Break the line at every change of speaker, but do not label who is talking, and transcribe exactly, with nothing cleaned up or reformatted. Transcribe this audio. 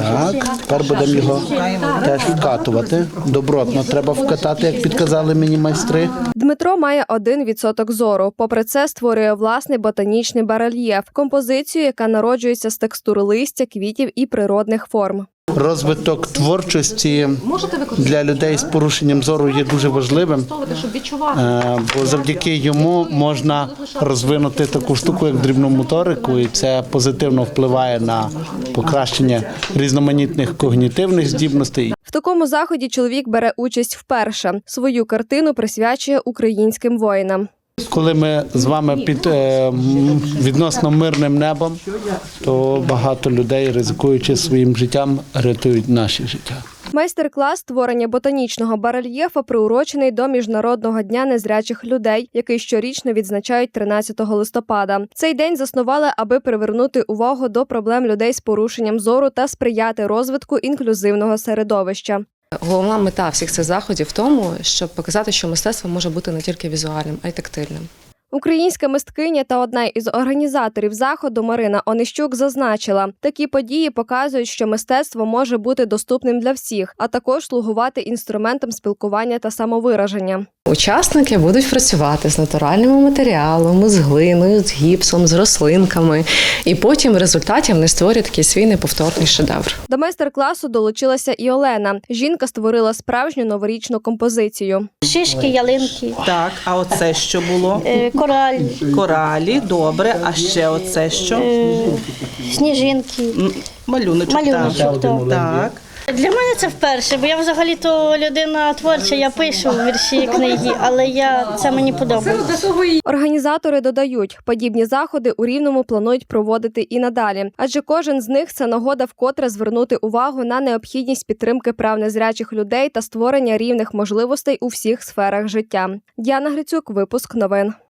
Так, тепер будемо його теж вкатувати. Добротно треба вкатати, як підказали мені майстри.
Дмитро має один відсоток зору. Попри це, створює власний ботанічний барельєф – композицію, яка народжується з текстур листя, квітів і природних форм.
Розвиток творчості для людей з порушенням зору є дуже важливим, бо завдяки йому можна розвинути таку штуку, як дрібну моторику, і це позитивно впливає на покращення різноманітних когнітивних здібностей.
В такому заході чоловік бере участь вперше. Свою картину присвячує українським воїнам.
Коли ми з вами під е, відносно мирним небом, то багато людей, ризикуючи своїм життям, рятують наші життя.
Майстер-клас створення ботанічного барельєфа приурочений до Міжнародного дня незрячих людей, який щорічно відзначають тринадцятого листопада. Цей день заснували, аби привернути увагу до проблем людей з порушенням зору та сприяти розвитку інклюзивного середовища.
Головна мета всіх цих заходів в тому, щоб показати, що мистецтво може бути не тільки візуальним, а й тактильним.
Українська мисткиня та одна із організаторів заходу Марина Онищук зазначила, такі події показують, що мистецтво може бути доступним для всіх, а також слугувати інструментом спілкування та самовираження.
Учасники будуть працювати з натуральними матеріалами, з глиною, з гіпсом, з рослинками. І потім в результаті вони створюють такий свій неповторний шедевр.
До майстер-класу долучилася і Олена. Жінка створила справжню новорічну композицію.
Шишки, ялинки.
Так, а оце що було?
Е, кораль.
Коралі, добре. А ще оце що?
Е, сніжинки.
М, Малюночок.
Малюночок,
так.
так.
Так.
Для мене це вперше, бо я взагалі-то людина творча, я пишу вірші, книги, але я, це мені подобається.
Організатори додають, подібні заходи у Рівному планують проводити і надалі, адже кожен з них – це нагода вкотре звернути увагу на необхідність підтримки прав незрячих людей та створення рівних можливостей у всіх сферах життя. Діана Грицюк, випуск новин.